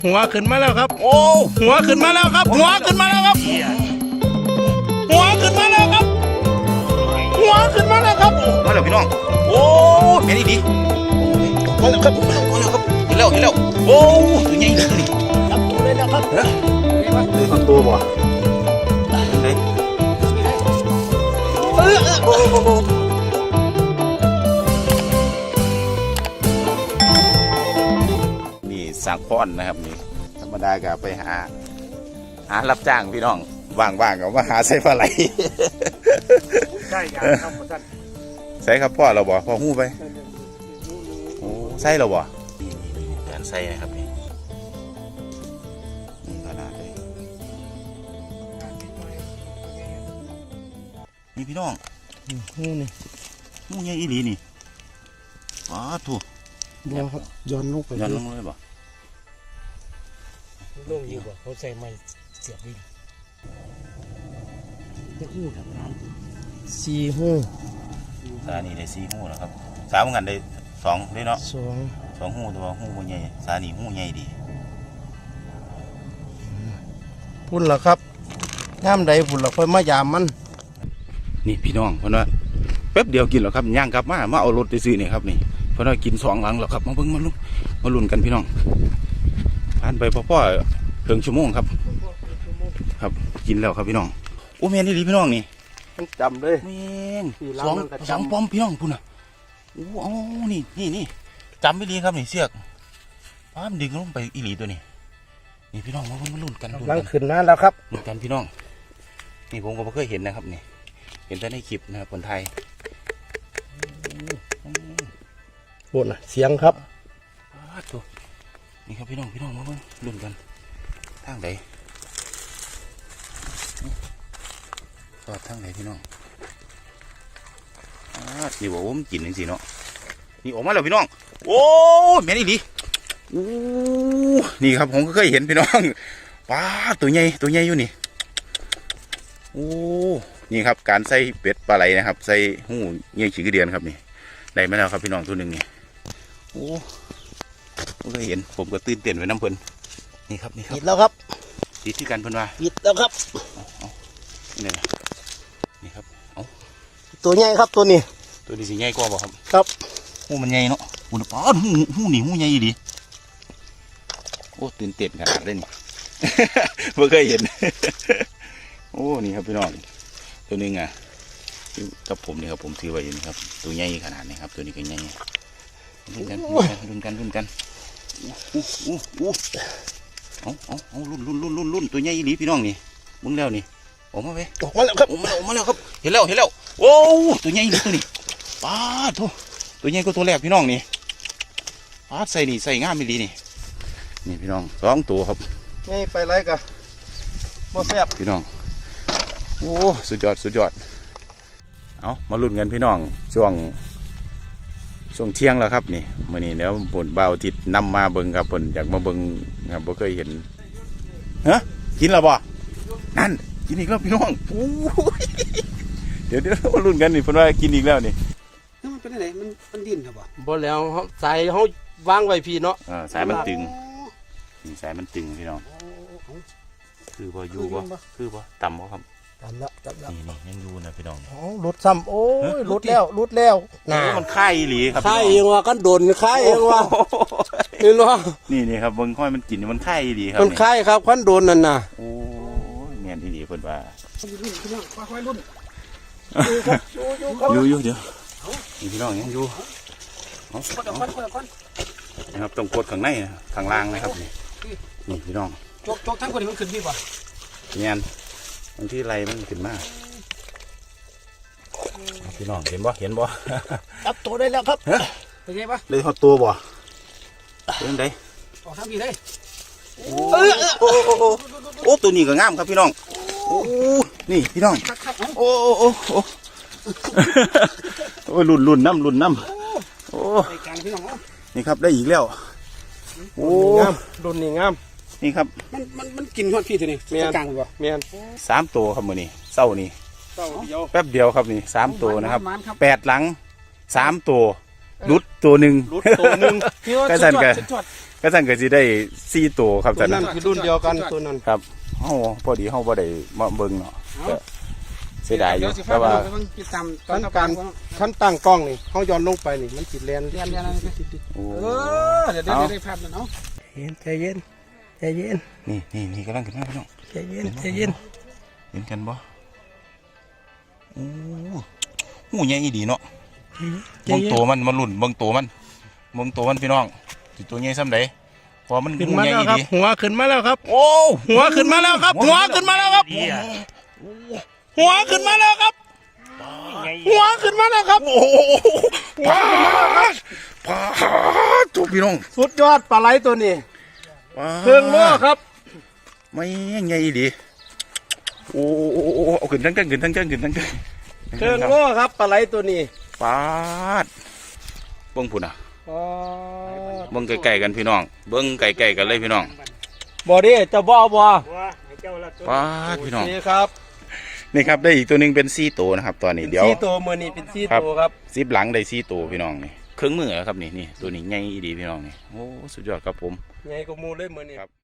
หัวขึ้นมาแล้วครับโอ้หัวขึ้นมาแล้วครับหัวขึ้นมาแล้วครับหัวขึ้นมาแล้วครับหัวขึ้นมาแล้วครับมาแล้วพี่น้องโอ้แม่นี่ดีมาแล้วครับมาแล้วครับเห็นแล้วโอ้ตัวใหญ่เลยจับตัวเลยนะครับเลยทำตัวบ่ไหนนี่สังพอนนะครับนี่ธรรมดาก็ไปหารับจ้างพี่น้องว่างๆก็มาหาใส่ปลาไหลใช่ครับท่านใส่ครับพ่อเราบ่พ่อหู้ไปโอ้ใส่เราบ่การใส่นะครับนี่ขนาดเลยนี่พี่น้องหู้ใหญ่อีหลีนี่ว้าถูกบัวครับย้อนลงไปย้อนลงเลยบ่ลงอยู่บ่เขาใส่ไม้เสียบดินจะหู้ครับสี่หู้สานี่ได้สี่หู้แล้วครับสามกันได้สองได้เนาะสองหู้ตัวหู้ใหญ่สานี่หู้ใหญ่ดีพุ่นล่ะครับย่ำใดพุ่นล่ะค่อยมายามมันนี่พี่น้องเพราะว่าแป๊บเดียวกินแล้วครับย่างกลับมาเอารถไปซื้อนี่ครับนี่เพราะว่ากินสองหลังแล้วครับมาเบิ่งมาลุ้นกันพี่น้องผ่านไปพ่อเพิ่งชั่วโมงครับกินแล้วครับพี่น้องโอ้แม่นี่ดีพี่น้องนี่จำเลยแม่งสองป้อมพี่น้องพุ่นน่ะโอ้นี่จำไม่ดีครับนี่เสือกป้ามดึงลงไปอีหลีตัวนี้นี่พี่น้องมาลุ้นกันลังขึ้นมาแล้วครับลุ้นกันพี่น้องนี่ผมก็ไม่เคยเห็นนะครับนี่เห็นแต่ในคลิปนะครับคนไทยโอ้น่ะเสียงครับตัวนี่ครับพี่น้องมาลุ้นกันทางไหนก็ทางไหนพี่น้องนี่บอกว่ามันกินจริงๆเนาะนี่ออกมาแล้วพี่น้องโอ้แม่นี่ดีนี่ครับผมก็เคยเห็นพี่น้องป้าตัวใหญ่อยู่นี่โอ้นี่ครับการใส่เป็ดปลาไหลนะครับใส่หูเงี้ยฉีกเดือนครับนี่ได้มาแล้วครับพี่น้องตัวหนึ่งนี่โอ้ผมก็เห็นผมก็ตื่นเต้นไว้น้ำเพลินนี่ครับปิดแล้วครับติดที่กันเพิ่นว่าปิดแล้วครับนี่ครับตัวใหญ่ครับตัวนี้สิใหญ่กว่าบ่ครับครับหูมันใหญ่เนาะหูป้าหูนี่หูใหญ่ดีโอ้ตื่นเต้นขนาดเลยนี่เพิ่งเคยเห็นโอ้นี่ครับพี่น้องตัวนึงอ่ะกับผมนี่ครับผมถือไว้อยู่นี่ครับตัวใหญ่ขนาดนี้ครับตัวนี้ก็ใหญ่ลุ้นกันเอาลุ้นตัวใหญ่ดีพี่น้องนี่มึงแล้วนี่ออกมาแล้วครับออกมาแล้วครับเห็นแล้วโอ้ตัวใหญ่ดีตัวนี้ป้าตัวใหญ่ก็ตัวแรกพี่น้องนี่ป้าใส่ง่ามไม่ดีนี่พี่น้องสองตัวครับนี่ไปไรกันบ่แซ่บพี่น้องโอ้สุดยอดเอามาลุ้นกันพี่น้องช่วงเที่ยงแล้วครับนี่มื้อนี้แล้วผลเบาทิศนำมาเบิ่งครับผลอยากมาเบิ่งครับบ่เคยเห็นกินแล้วบ่นั่นกินอีกแล้วพี่น้องเดี๋ยวมาลุ้นกันนี่เพิ่นว่ากินอีกแล้วนี่มันเป็นอะไรมันดิ้นครับบ่แล้วสายเฮาวางไว้พี่เนาะสายมันตึงพี่น้องคือบ่อยู่บ่คือบ่ต่ำบ่ครับต่ำแล้วนี่ยังอยู่นะพี่น้องหลุดซ้ำโอ้ยหลุดแล้วน่ะมันค่ายอีหลีครับค่ายเองว่ากันโดนค่ายเองว่านี่เนาะนี่ครับเบิ่งค่อยมันกินมันค่ายอีหลีครับมันค่ายครับคันโดนนั่นน่ะโอ้ยแม่นอีหลีเพิ่นว่าอยู่เดี๋ยวนี่พี่น้องยังอยู่นะครับต้องกดข้างในข้างล่างนะครับนี่พี่น้องจกทั้งคนนี้มันขึ้นดีป่ะเนี่ยบางที่ไรมันขึ้นมากพี่น้องเห็นบ่จับตัวได้แล้วครับเป็นไงปะเลยหดตัวบ่เป็นไงออกทางนี้เลยโอ้ตัวนี้ก็งามครับพี่น้องโอ้นี่พี่น้องโอ้ลุ่นน้ำโอ้นี่ครับได้อีกแล้วโอ้รุ่นนี้งามนี่ครับมันกินฮอดพี่ตัวนี้กลางบ่แม่น 3ตัวครับมื้อนี้เช้านี้แป๊บเดียวครับนี่3ตัวนะครับ8หลัง3ตัวรุดตัวหนึ่งรุดตัวหนึงพี่ว่าก็สั่นกันสุดยอดก็สั่นก็สิได้4ตัวครับตัวสั่นนั้นคือรุ่นเดียวกันตัวนั้นครับเฮาพอดีเฮาบ่ได้มาเบิ่งเนาะเอาก็เสียดายอยู่เดี๋วสิแต่ว่าไปเบิ่งติดตามตอนขั้นการขั้นตั้งกล้องนี่เขาย้อนลงไปนี่มันสิแลนเรียนอะไรติดโอ้เดี๋ยวได้ภาพแล้วเนาะใจเย็นใจเย็นนี่กำลังขึ้นมาพี่น้องใจเย็นใจเย็นเห็นกันบ่โอ้หูใหญ่อีดีเนาะเบิ่งตัวมันมาลุ่นเบิ่งตัวมันพี่น้องสิตัวใหญ่ซ้ำใดพอมันขึ้นหูมาใหญ่แล้วอีครับดีหัวขึ้นมาแล้วครับโอ้หัวขึ้นมาแล้วครับ หัวขึ้นมาแล้วครับ หัวขึ้นมาแล้วครับหัวขึ้นมาแล้วครับโอ้โหพาทุกพี่น้องสุดยอดปลาไหลตัวนี้ปาดเครื่องโล่ครับไม่ใหญ่อีดีโอ้เอาขึ้นทั้งขึ้นทั้งขึ้นทั้งเครื่องโล่ครับปลาไหลตัวนี้ปาดเบิ่งพุ่นอ่ะเบิ่งไกลๆกันพี่น้องเบิ่งไกลๆกันเลยพี่น้องบ่ดิเจ้าบ่เอาบ่ปาดพี่น้องนี่ครับนี่ครับได้อีกตัวหนึงเป็น4ตัวนะครับตอนนี้เดี๋ยวสี่ตัวมือนี้เป็นสี่ตัวครับซิปหลังได้4ตัวพี่น้องนี่เครื่องมือแล้วครับนี่ตัวนี้ใหญ่อีดีพี่น้องนี่โอ้สุดยอดครับผมใหญ่กว่าหมูเลยมือนี้